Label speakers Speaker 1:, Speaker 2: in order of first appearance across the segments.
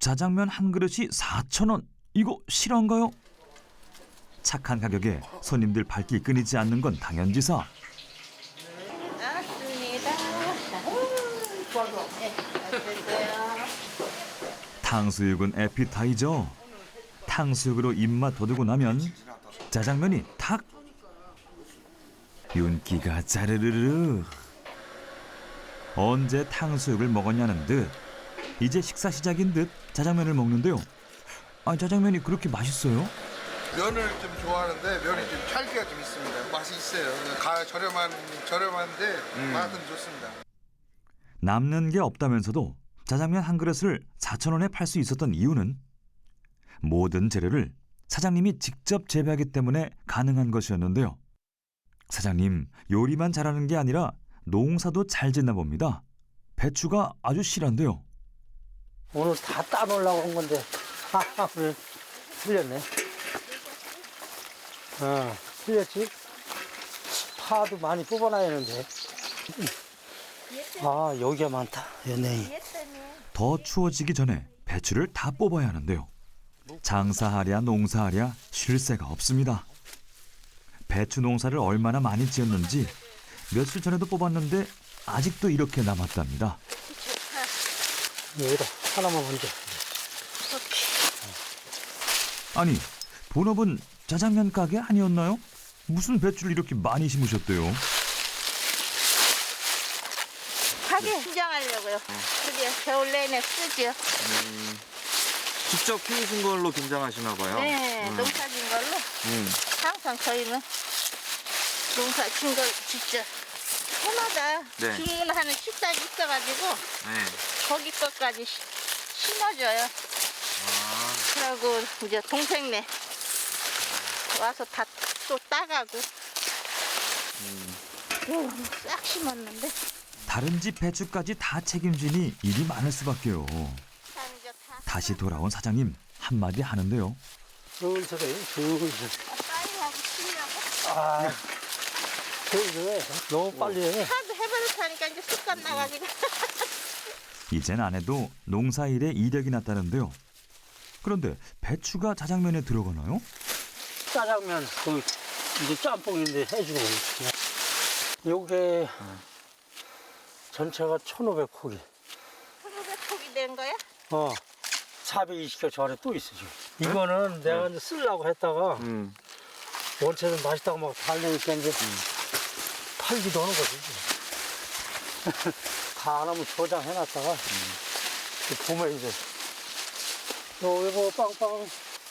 Speaker 1: 짜장면 한 그릇이 4,000원. 이거 실화인가요? 착한 가격에 손님들 발길 끊이지 않는 건 당연지사.
Speaker 2: 나왔습니다.
Speaker 1: 탕수육은 에피타이저. 탕수육으로 입맛 돋우고 나면 짜장면이 탁. 윤기가 짜르르르. 언제 탕수육을 먹었냐는 듯 이제 식사 시작인 듯 짜장면을 먹는데요. 아, 짜장면이 그렇게 맛있어요?
Speaker 3: 면을 좀 좋아하는데 면이 좀 찰기가 좀 있습니다. 맛이 있어요. 저렴한데 맛은 좋습니다.
Speaker 1: 남는 게 없다면서도 짜장면 한 그릇을 4,000원에 팔 수 있었던 이유는 모든 재료를 사장님이 직접 재배하기 때문에 가능한 것이었는데요. 사장님, 요리만 잘하는 게 아니라 농사도 잘 짓나 봅니다. 배추가 아주 실한데요.
Speaker 4: 오늘 다 따놓으려고 한 건데 오늘 틀렸네. 틀렸지? 파도 많이 뽑아놔야 하는데. 아, 여기가 많다. 연예인.
Speaker 1: 더 추워지기 전에 배추를 다 뽑아야 하는데요. 장사하랴 농사하랴 쉴 새가 없습니다. 배추 농사를 얼마나 많이 지었는지 며칠 전에도 뽑았는데 아직도 이렇게 남았답니다.
Speaker 4: 여기다 하나만 먼저.
Speaker 1: 아니, 본업은 짜장면 가게 아니었나요? 무슨 배추를 이렇게 많이 심으셨대요?
Speaker 2: 가게 김장하려고요. 그게 겨울 내내 쓰죠.
Speaker 5: 직접 키우신 걸로 김장하시나 봐요.
Speaker 2: 네, 농사 진 걸로. 항상 저희는 농사 진 걸 직접 해마다
Speaker 5: 네.
Speaker 2: 주문하는 식당이 있어가지고
Speaker 5: 네.
Speaker 2: 거기 것까지 심어줘요. 그러고 이제 동생네 와서 다 또 따가고 싹 심었는데
Speaker 1: 다른 집 배추까지 다 책임지니 일이 많을 수밖에요.
Speaker 2: 참 이제 다
Speaker 1: 다시 돌아온 사장님 한마디 하는데요.
Speaker 4: 슬슬해, 슬슬.
Speaker 2: 빨리 하고 치려고
Speaker 4: 아, 슬슬해. 너무 빨리 해.
Speaker 2: 하도 해버릇하니까 이제 습관 나가지고
Speaker 1: 이젠 안 해도 농사일에 이력이 났다는데요. 그런데 배추가 짜장면에 들어가나요?
Speaker 4: 짜장면, 이제 짬뽕인데 해주고. 요게 전체가 1,500포기.
Speaker 2: 1,500폭이 된 거야?
Speaker 4: 420개 저 안에 또 있어, 지금. 이거는 내가 이제 쓰려고 했다가 원체는 맛있다고 막 달래니까 이제 팔기도 하는 거지. 다 안 하면 저장해놨다가 보면 이제 이거 빵빵.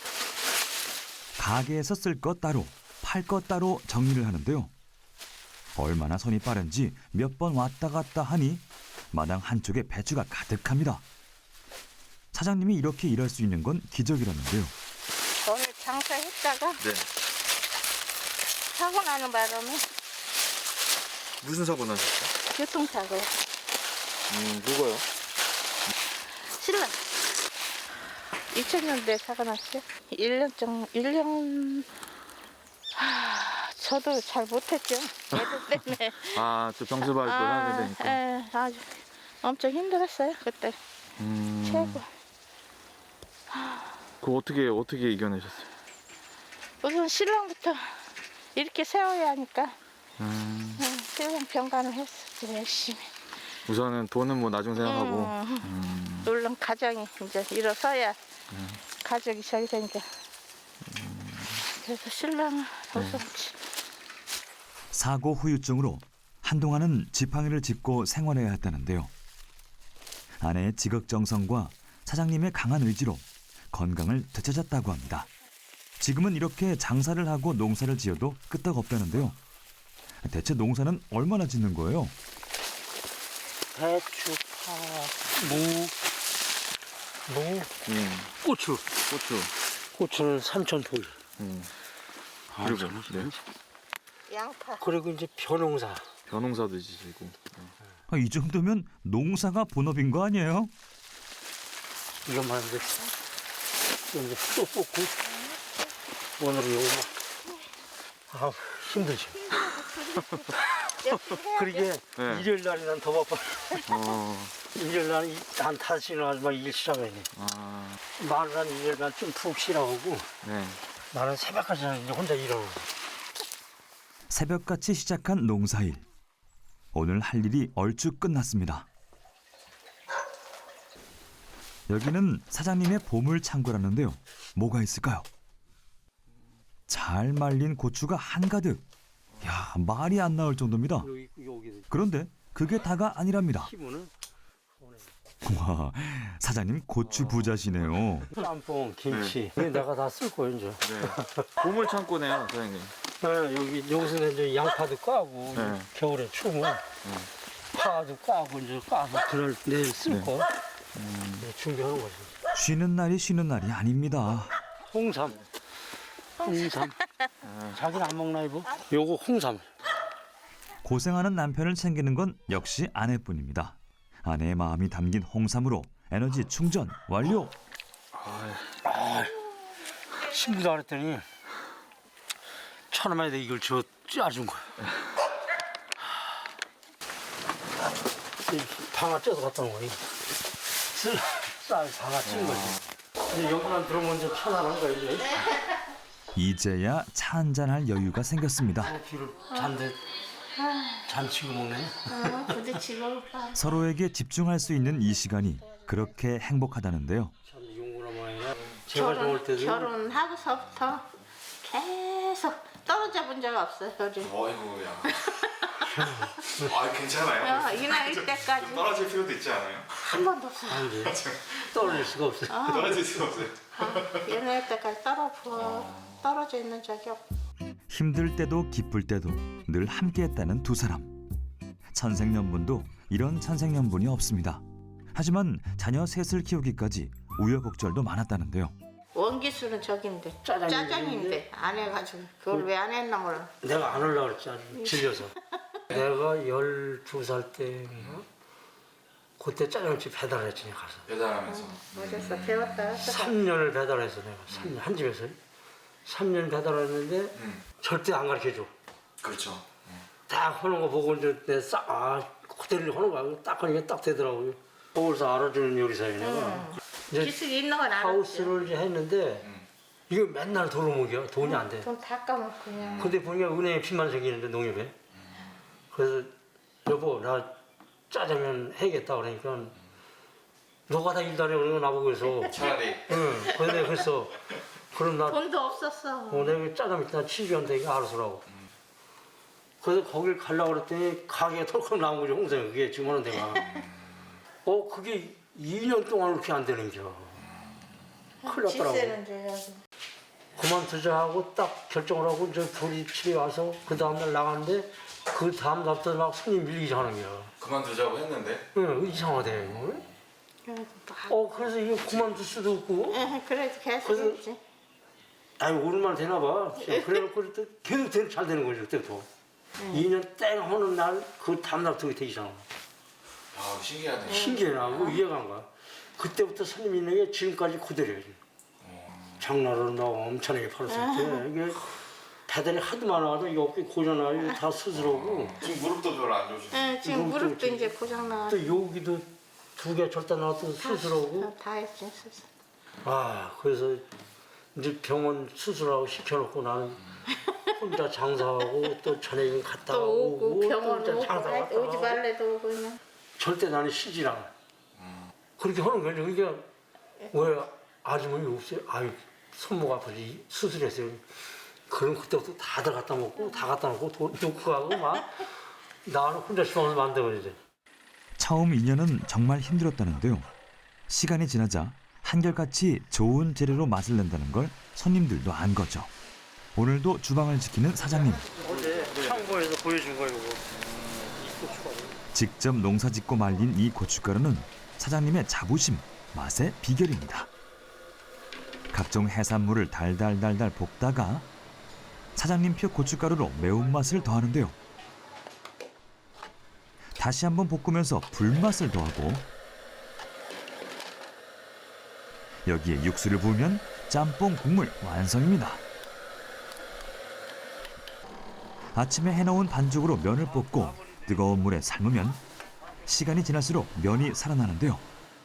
Speaker 1: 가게에서 쓸 것 따로, 팔 것 따로 정리를 하는데요. 얼마나 손이 빠른지 몇 번 왔다 갔다 하니 마당 한쪽에 배추가 가득합니다. 사장님이 이렇게 일할 수 있는 건 기적이라는데요.
Speaker 2: 오늘 장사했다가
Speaker 5: 네.
Speaker 2: 사고 나는 바람에
Speaker 5: 무슨 사고 나셨어요?
Speaker 2: 교통사고요.
Speaker 5: 누가요?
Speaker 2: 신랑 2000년도에 사고 났어요. 1년 저도 잘 못했죠. 애들 때문에.
Speaker 5: 저 병수 발도 하게 되니까.
Speaker 2: 예, 아주 엄청 힘들었어요. 그때 최고.
Speaker 5: 그거 어떻게 이겨내셨어요?
Speaker 2: 우선 신랑부터 이렇게 세워야 하니까 신랑 병간을 했어. 열심히.
Speaker 5: 우선은 돈은 뭐 나중 생각하고.
Speaker 2: 물론 가정이 이제 일어서야 가족이 저기 되니까. 그래서 신랑은 우선
Speaker 1: 사고 후유증으로 한동안은 지팡이를 짚고 생활해야 했다는데요. 아내의 지극정성과 사장님의 강한 의지로 건강을 되찾았다고 합니다. 지금은 이렇게 장사를 하고 농사를 지어도 끄떡없다는데요. 대체 농사는 얼마나 짓는 거예요?
Speaker 4: 배추, 파, 무, 고추. 고추는 3,000포기.
Speaker 5: 그리고 네.
Speaker 2: 양파.
Speaker 4: 그리고 이제 벼농사.
Speaker 5: 벼농사도 지시고.
Speaker 1: 이 정도면 농사가 본업인 거 아니에요?
Speaker 4: 이것만 이제 또 뽑고 오늘은 요거만. 힘들지.
Speaker 2: 역시 해야 돼.
Speaker 4: 그러게
Speaker 5: 네.
Speaker 4: 일요일 날이 난 더 바빠. 일요일날 한 5시에 나가서 막 일 시작해야 돼.
Speaker 5: 아,
Speaker 4: 마누라는 일요일날 좀 푹 쉬라고 하고
Speaker 5: 네.
Speaker 4: 나는 새벽까지 이제 혼자 일하고.
Speaker 1: 새벽같이 시작한 농사일. 오늘 할 일이 얼추 끝났습니다. 여기는 사장님의 보물 창고라는데요. 뭐가 있을까요? 잘 말린 고추가 한가득. 야, 말이 안 나올 정도입니다.
Speaker 4: 여기
Speaker 1: 그런데 그게 다가 아니랍니다.
Speaker 4: 키무는
Speaker 1: 와, 사장님 고추 부자시네요.
Speaker 4: 짬뽕, 김치. 이거 내가 다 쓸 거예요 이제.
Speaker 5: 네. 보물 창고네요, 사장님.
Speaker 4: 네, 여기서 이제 양파도 까고
Speaker 5: 네.
Speaker 4: 겨울에 추우면 파도 까고 이제 까서 그날 내일 쓸 거. 네, 준비하는 거지.
Speaker 1: 쉬는 날이 쉬는 날이 아닙니다.
Speaker 4: 홍삼. 자기는 안 먹나 이거? 요거 홍삼.
Speaker 1: 고생하는 남편을 챙기는 건 역시 아내뿐입니다. 아내의 마음이 담긴 홍삼으로 에너지 충전 완료.
Speaker 4: 신부도 안 했더니 1,000원만에 이걸 짜준 거야. 방아 쪄서 갖다 놓은 거야. 쌀 방아 찐 거지. 이제 여기만 들어오면 이제 편안한 거야 이제.
Speaker 1: 이제야 차 한잔할 여유가 생겼습니다.
Speaker 4: 비를 잔데 잔치고 먹네.
Speaker 2: 부딪히고.
Speaker 1: 서로에게 집중할 수 있는 이 시간이 그렇게 행복하다는데요.
Speaker 4: 참 용구나마야. 제가 좋을 때도
Speaker 2: 결혼하고서부터 계속 떨어져 본 적 없어요. 요즘.
Speaker 6: 어이구야. 아 괜찮아요.
Speaker 2: 이 나이 때까지
Speaker 6: 떨어질 필요도 있지 않아요?
Speaker 2: 한 번도 없어요.
Speaker 4: 안 돼. 떨어질 수가 없어.
Speaker 6: 떨어질 수가 없어요.
Speaker 2: 이 나이 때까지 떨어져 있는 적이 없고.
Speaker 1: 힘들 때도 기쁠 때도 늘 함께했다는 두 사람. 천생연분도 이런 천생연분이 없습니다. 하지만 자녀 셋을 키우기까지 우여곡절도 많았다는데요.
Speaker 2: 원기수는 저긴데 짜장인데 안 해가지고 그걸 왜 안 했나 몰라.
Speaker 4: 내가 안 하려고 그랬지 아주 질려서. 내가 12살 때 그때 짜장집 배달했지 내가 가서.
Speaker 6: 배달하면서.
Speaker 2: 어제서 배웠다.
Speaker 4: 3년을 배달해서 내가 3년 한 집에서 3년 배달했는데 절대 안 가르쳐줘.
Speaker 6: 그렇죠.
Speaker 4: 딱 하는 거 보고 이제 그대로 하는 거야. 딱 하니까 딱 되더라고요. 서울서 알아주는 요리사예요 내가. 이제
Speaker 2: 기술이 있는 건 알았죠.
Speaker 4: 하우스를 이제 했는데 이거 맨날 도루묵이야. 돈이 안 돼.
Speaker 2: 돈 다 까먹고 그냥.
Speaker 4: 근데 보니까 은행에 빚만 생기는데 농협에. 그래서 여보 나 짜장면 해야겠다 그러니까 너가 다 일도 안 해 그러는 거 나보고 해서
Speaker 6: 차라리.
Speaker 4: 응. 근데 그래서 그럼 나
Speaker 2: 돈도 없었어.
Speaker 4: 내가 짜장면 일단 치즈한테 이거 알아서 라고. 그래서 거길 가려고 그랬더니 가게가 털컥 나온 거지 홍성이 그게 지금 하는 데가. 그게 2년 동안 그렇게 안 되는 겨. 큰일 났더라고.
Speaker 2: 집세는 줘야지.
Speaker 4: 그만두자 하고 딱 결정을 하고 저 둘이 집에 와서 그 다음날 나갔는데 그 다음 날부터 막 손님 밀리기 시작하는 거야.
Speaker 6: 그만두자고 했는데.
Speaker 4: 응, 이상하대. 그래서 이거 그만둘 수도 없고.
Speaker 2: 그래도 계속
Speaker 4: 그래서-
Speaker 2: 했지.
Speaker 4: 아니 오랜만에 되나 봐. 그래놓고 또 계속 잘 되는 거죠 그때부터. 2년 땡 하는 날 그 다음 날부터 되기 시작한 거야.
Speaker 6: 아 신기하네.
Speaker 4: 신기해 나고 이해가 안 가. 그때부터 손님 있는 게 지금까지 그대로예요. 장날으로 나 엄청나게 팔았을 때 이게 배달이 하도 많아서 이 어깨 고장나고 다 수술하고
Speaker 6: 지금 무릎도 별로 안 좋으시네.
Speaker 2: 네, 지금
Speaker 4: 이건 또
Speaker 2: 무릎도
Speaker 4: 좀-
Speaker 2: 이제 고장 나.
Speaker 4: 또 여기도 2개 절단 나왔던 수술하고
Speaker 2: 다 했지 수술.
Speaker 4: 그래서 이제 병원 수술하고 시켜놓고 나는 혼자 장사하고 또 저녁에 갔다
Speaker 2: 또 오고 병원
Speaker 4: 또
Speaker 2: 오고
Speaker 4: 장사 갔다
Speaker 2: 오지
Speaker 4: 하고.
Speaker 2: 말래도 오고 그냥.
Speaker 4: 절대 나는 쉬질 않아. 그렇게 하는 거죠. 그러니까 왜 아주머니 없어요? 손목 아프지 수술했어요. 그럼 그때부터 다들 갖다 먹고 다 갖다 놓고 돈 놓고 가고 막 나는 혼자 시방을 만들어야지.
Speaker 1: 처음 2년은 정말 힘들었다는데요. 시간이 지나자 한결같이 좋은 재료로 맛을 낸다는 걸 손님들도 안 거죠. 오늘도 주방을 지키는 사장님.
Speaker 4: 어제 창고에서 보여준 거예요. 이거. 이 고춧가루.
Speaker 1: 직접 농사짓고 말린 이 고춧가루는 사장님의 자부심, 맛의 비결입니다. 각종 해산물을 달달달달 볶다가 사장님표 고춧가루로 매운맛을 더하는데요. 다시 한번 볶으면서 불맛을 더하고 여기에 육수를 부으면 짬뽕 국물 완성입니다. 아침에 해놓은 반죽으로 면을 볶고 뜨거운 물에 삶으면 시간이 지날수록 면이 살아나는데요.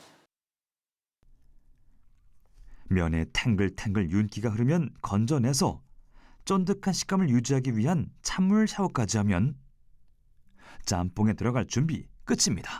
Speaker 1: 면에 탱글탱글 윤기가 흐르면 건져내서 쫀득한 식감을 유지하기 위한 찬물 샤워까지 하면 짬뽕에 들어갈 준비 끝입니다.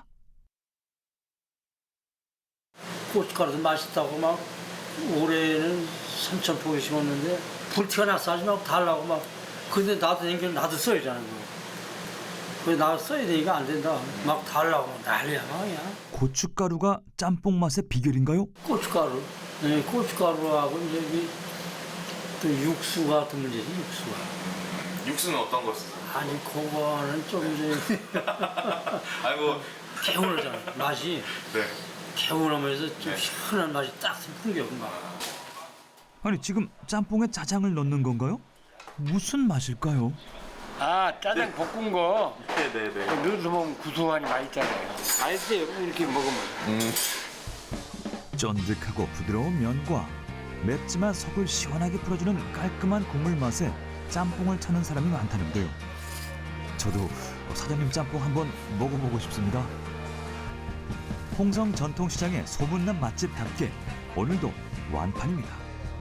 Speaker 4: 고춧가루도 맛있다고 막 올해는 3,000포기 심었는데 불티가 나서 하지 말고 달라고 막. 근데 나도 생겨 나도 써야 되는 거. 그래 나도 써야 되니까 안 된다. 막 달라고 막 난리야 그냥.
Speaker 1: 고춧가루가 짬뽕 맛의 비결인가요?
Speaker 4: 고춧가루. 네, 고춧가루하고 이제 또 육수 같은 문제지 육수가.
Speaker 6: 육수는 어떤 거 쓰세요?
Speaker 4: 아니 그거는 좀 이제
Speaker 6: 아이고.
Speaker 4: 개운하잖아 맛이.
Speaker 6: 네.
Speaker 4: 개운하면서 좀 시원한 맛이 딱 풍겨온다.
Speaker 1: 아니 지금 짬뽕에 짜장을 넣는 건가요? 무슨 맛일까요?
Speaker 7: 아 짜장 볶은 거
Speaker 6: 네네네.
Speaker 7: 넣어서 먹으면 구수하니 맛있잖아요. 맛있어요 이렇게 먹으면.
Speaker 1: 쫀득하고 부드러운 면과 맵지만 속을 시원하게 풀어주는 깔끔한 국물 맛에 짬뽕을 찾는 사람이 많다는데요. 저도 사장님 짬뽕 한번 먹어보고 싶습니다. 홍성 전통시장의 소문난 맛집답게 오늘도 완판입니다.